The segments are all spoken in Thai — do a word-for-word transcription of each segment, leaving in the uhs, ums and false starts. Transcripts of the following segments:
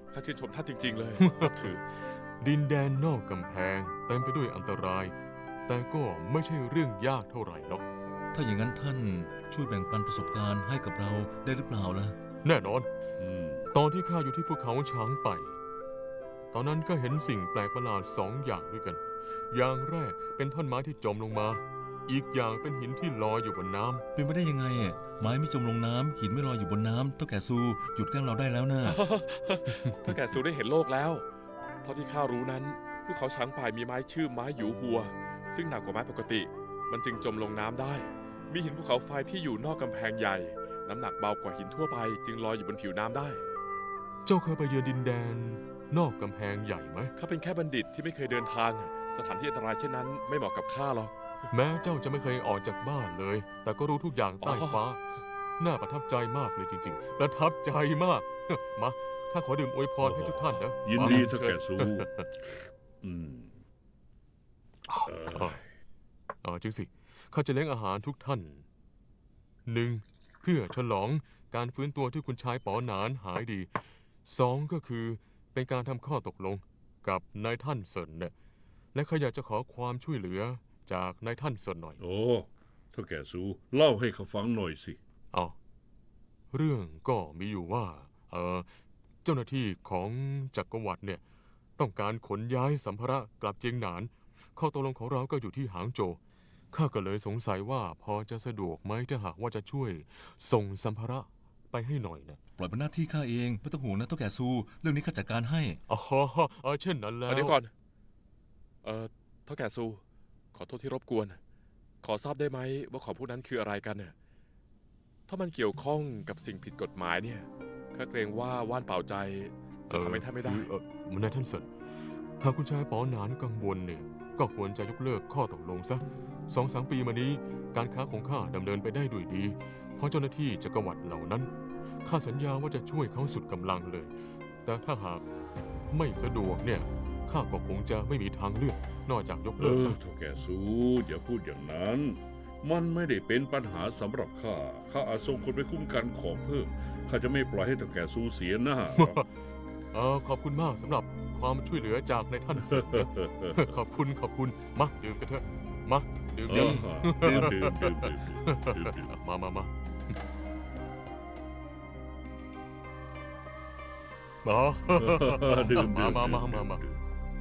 ข้าชื่นชมท่านจริงๆเลย คือดินแดนนอกกำแพงเต็มไปด้วยอันตราย แต่ก็ไม่ใช่เรื่องยากเท่าไหร่หรอกถ้าอย่างนั้นท่านช่วยแบ่งปันประสบการณ์ให้กับเราได้หรือเปล่าล่ะแน่นอนอืมตอนที่ข้าอยู่ที่ภูเขาช้างไป ตอนนั้นก็เห็นสิ่งแปลกประหลาดสองอย่างด้วยกัน อย่างแรกเป็นท่อนไม้ที่จมลงมา อีกอย่างเป็นหินที่ลอยอยู่บนน้ำเป็นไปได้ยังไงอะไม้ไม่จมลงน้ำหินไม่ลอยอยู่บนน้ำเท่าแก่ซูหยุดแกล้งเราได้แล้วนะถ้าแกสูได้เห็นโลกแล้วเท่าที่ข้ารู้นั้นภูเขาช้างป่ายมีไม้ชื่อไม้หยูหัว ซึ่งหนักกว่าไม้ปกติ มันจึงจมลงน้ำได้ มีหินภูเขาไฟที่อยู่นอกกำแพงใหญ่ น้ำหนักเบากว่าหินทั่วไป จึงลอยอยู่บนผิวน้ำได้เจ้าเคยไปเยือนดินแดน นอกกำแพงใหญ่ไหมข้าเป็นแค่บัณฑิตที่ไม่เคยเดินทาง สถานที่อันตรายเช่นนั้นไม่เหมาะกับข้าหรอกแม้เจ้าจะไม่เคยออกจากบ้านเลย แต่ก็รู้ทุกอย่างใต้อ๋อฟ้า น่าประทับใจมากเลยจริงๆ ประทับใจมาก มาข้าขอดื่มอวยพรให้ทุกท่านนะยินมาดีเท่าแก่ซูอืมเออ๋อออ๋อจริงสิ ข้าจะเลี้ยงอาหารทุกท่านหนึ่งเพื่อฉลองการฟื้นตัวที่คุณชายป๋อหนานหายดีสองก็คือเป็นการทำข้อตกลงกับนายท่านเซินเนี่ยและข้าอยากจะขอความช่วยเหลือจากนายท่านเซินหน่อยโอ้เท่าแก่ซูเล่าให้เขาฟังหน่อยสิเอาเรื่องก็มีอยู่ว่า เออเจ้าหน้าที่ของจักรวรรดิเนี่ยต้องการขนย้ายสัมภาระกลับเจียงหนาน ข้อตกลงของเราก็อยู่ที่หางโจวข้าก็เลยสงสัยว่าพอจะสะดวกไหมถ้าหากว่าจะช่วยส่งสัมภาระไปให้หน่อยนะปล่อยเป็นหน้าที่ข้าเองไม่ต้องห่วงนะเท่าแก่ซูเรื่องนี้ข้าจัดการให้อ๋อเออเช่นนั้นแล้วเดี๋ยวก่อน เอ่อเท่าแก่ซู ขอโทษที่รบกวน ขอทราบได้ไหมว่าของพวกนั้นคืออะไรกันเนี่ยถ้ามันเกี่ยวข้องกับสิ่งผิดกฎหมายเนี่ยข้าเกรงว่าว่านเป่าใจจะทำให้ท่านไม่ได้คือเออมันนายท่านเสินหากคุณชายป๋อหนานกังวลเนี่ยก็ควรจะยกเลิกข้อตกลงซะสองสามปีมานี้การค้าของข้าดำเนินไปได้ด้วยดี เพราะเจ้าหน้าที่จักรวรรดิเหล่านั้นข้าสัญญาว่าจะช่วยเขาสุดกำลังเลย แต่ถ้าหากไม่สะดวกเนี่ยข้าก็คงจะไม่มีทางเลือกนอกจากยกเอเลิกอซะเท่าแก่ซูอย่าพูดอย่างนั้น มันไม่ได้เป็นปัญหาสำหรับข้าข้าอาจส่งคนไปคุ้มกันของเพิ่มข้าจะไม่ปล่อยให้เท่าแก่ซูเสียหน้าหรอกเออขอบคุณมากสำหรับความช่วยเหลือจากนายท่านเสินนะ ขอบคุณขอบคุณมาดื่มกันเถอะมาดื่มเอดื่อมดื่มดื่มดื่มดื่มดื่มดื่มมามามามาดื่มมาดื่มมาดื่มามามาดื่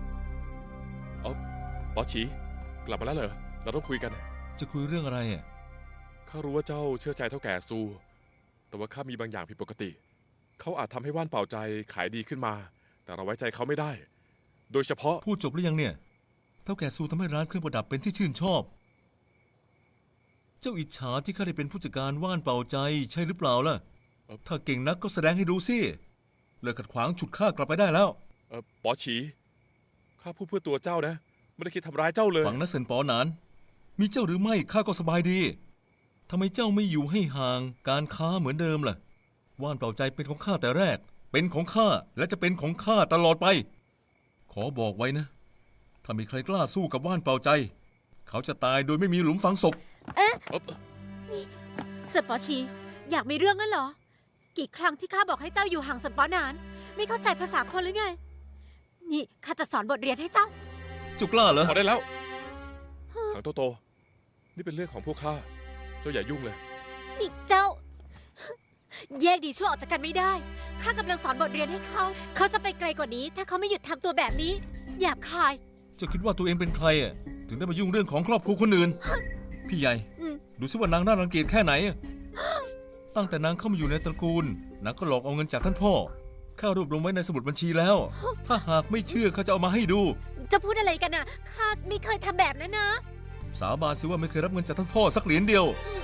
ปอฉีกลับมาแล้วเหรอ เราต้องคุยกันจะคุยเรื่องอะไรอ่ะข้ารู้ว่าเจ้าเชื่อใจเท่าแก่ซู แต่ว่าข้ามีบางอย่างผิดปกติ เขาอาจทำให้ว่านเป่าใจขายดีขึ้นมา แต่เราไว้ใจเขาไม่ได้ โดยเฉพาะพูดจบหรือยังเนี่ยเท่าแก่ซูทำให้ร้านเครื่องประดับเป็นที่ชื่นชอบ เจ้าอิจฉาที่ข้าได้เป็นผู้จัดการว่านเป่าใจใช่หรือเปล่าล่ะเอ่อถ้าเก่งนักก็แสดงให้ดูสิเลิกขัดขวางฉุดข้ากลับไปได้แล้วเออปอฉีข้าพูดเพื่อตัวเจ้านะ ไม่ได้คิดทำร้ายเจ้าเลยฝังนะเซินปอหนาน มีเจ้าหรือไม่ข้าก็สบายดีทำไมเจ้าไม่อยู่ให้ห่างการค้าเหมือนเดิมล่ะ ว่านเป่าใจเป็นของข้าแต่แรก เป็นของข้าและจะเป็นของข้าตลอดไป ขอบอกไว้นะ ถ้ามีใครกล้าสู้กับว่านเป่าใจ เขาจะตายโดยไม่มีหลุมฝังศพเอ่อสันปอชีอยากมีเรื่องงั้นเหรอ กี่ครั้งที่ข้าบอกให้เจ้าอยู่ห่างสันปอนาน ไม่เข้าใจภาษาคนหรือไง นี่ข้าจะสอนบทเรียนให้เจ้าเจ้ากล้าเหรอพอได้แล้วถังโตโต นี่เป็นเรื่องของพวกข้า เจ้าอย่ายุ่งเลยนี่เจ้า แยกดีชั่วออกจากกันไม่ได้ ข้ากำลังสอนบทเรียนให้เขา เขาจะไปไกลกว่านี้ ถ้าเขาไม่หยุดทำตัวแบบนี้หยาบคายเจ้าคิดว่าตัวเองเป็นใครอ่ะถึงได้มายุ่งเรื่องของครอบครัวคนอื่น พี่ใหญ่อืมดูสิว่านางน่ารังเกียจแค่ไหนอะตั้งแต่นางเข้ามาอยู่ในตระกูลนางก็หลอกเอาเงินจากท่านพ่อข้ารวบรวมไว้ในสมุดบัญชีแล้ว ถ้าหากไม่เชื่อเขาจะเอามาให้ดูจะพูดอะไรกันน่ะ ข้าไม่เคยทำแบบนั้นนะสาบานสิว่าไม่เคยรับเงินจากท่านพ่อสักเหรียญเดียว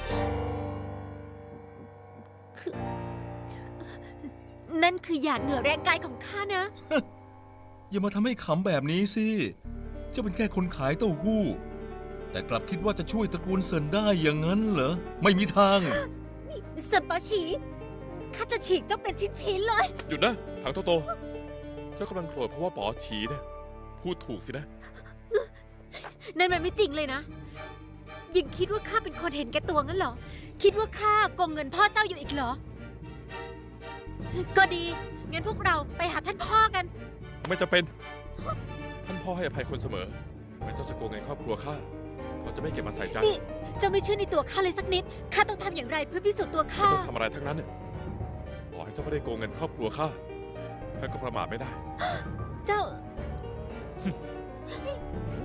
นั่นคือหยาดเหงื่อแรงกายของข้านะอย่ามาทำให้ขำแบบนี้สิเจ้าเป็นแค่คนขายเต้าหู้ แต่กลับคิดว่าจะช่วยตระกูลเซินได้อย่างนั้นเหรอ ไม่มีทางสันปอชีข้าจะฉีกเจ้าเป็นชิ้นๆเลยหยุดนะถังโตโต เจ้ากำลังโกรธเพราะว่าปอฉีเนี่ยพูดถูกสินะนั่นมันไม่จริงเลยนะ ยังคิดว่าข้าเป็นคนเห็นแก่ตัวงั้นเหรอ คิดว่าข้าโกงเงินพ่อเจ้าอยู่อีกเหรอ ก็ดีงั้นพวกเราไปหาท่านพ่อกันไม่จะเป็น ท่านพ่อให้อภัยคนเสมอแม้เจ้าจะโกงเงินครอบครัวข้าเขาจะไม่เก็บมาใส่ใจนี่ เจ้าไม่เชื่อในตัวข้าเลยสักนิด ข้าต้องทำอย่างไรเพื่อพิสูจน์ตัวไม่ข้าต้องทำอะไรทั้งนั้นน่ะต่อให้เจ้าไม่ได้โกงเงินครอบครัวข้าข้าก็ประมาทไม่ได้เจ้า